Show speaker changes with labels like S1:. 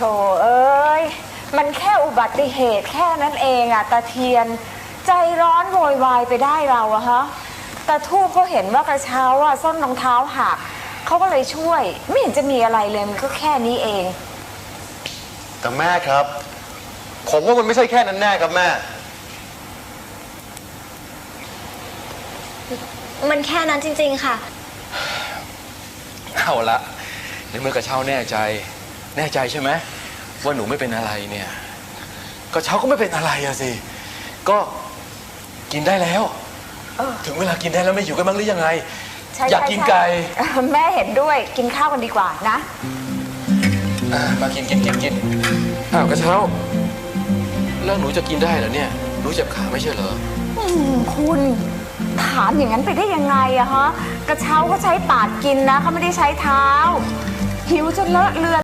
S1: เอ้ยมันแค่อุบัติเหตุแค่นั้นเองอะตาเทียนใจร้อนโวยวายไปได้เราอะฮะตาทูบเขาเห็นว่ากระเช้าอะส้นรองเท้าหักเขาก็เลยช่วยไม่เห็นจะมีอะไรเลยมันก็แค่นี้เอง
S2: แต่แม่ครับผมว่ามันไม่ใช่แค่นั้นแน่ครับแม่
S3: มันแค่นั้นจริงๆค่ะ
S4: เอาละในเมื่อกระเช้าแน่ใจใช่ไหมว่าหนูไม่เป็นอะไรเนี่ยกระเช้าก็ไม่เป็นอะไรอะสิก็กินได้แล้วถึงเวลากินได้แล้วไม่อยู่กันบ้างหรือยังไงอยากกินไก่
S1: แม่เห็นด้วยกินข้าวกันดีกว่านะ
S4: มากินอ้าวกระเช้าแล้วหนูจะกินได้เหรอเนี่ยหนูเจ็บขาไม่ใช่เหรอ
S1: คุณถามอย่างนั้นไปได้ยังไงอะฮะกระเช้าเขาใช้ปากกินนะเขาไม่ได้ใช้เท้าหิวจนเลอะเลือน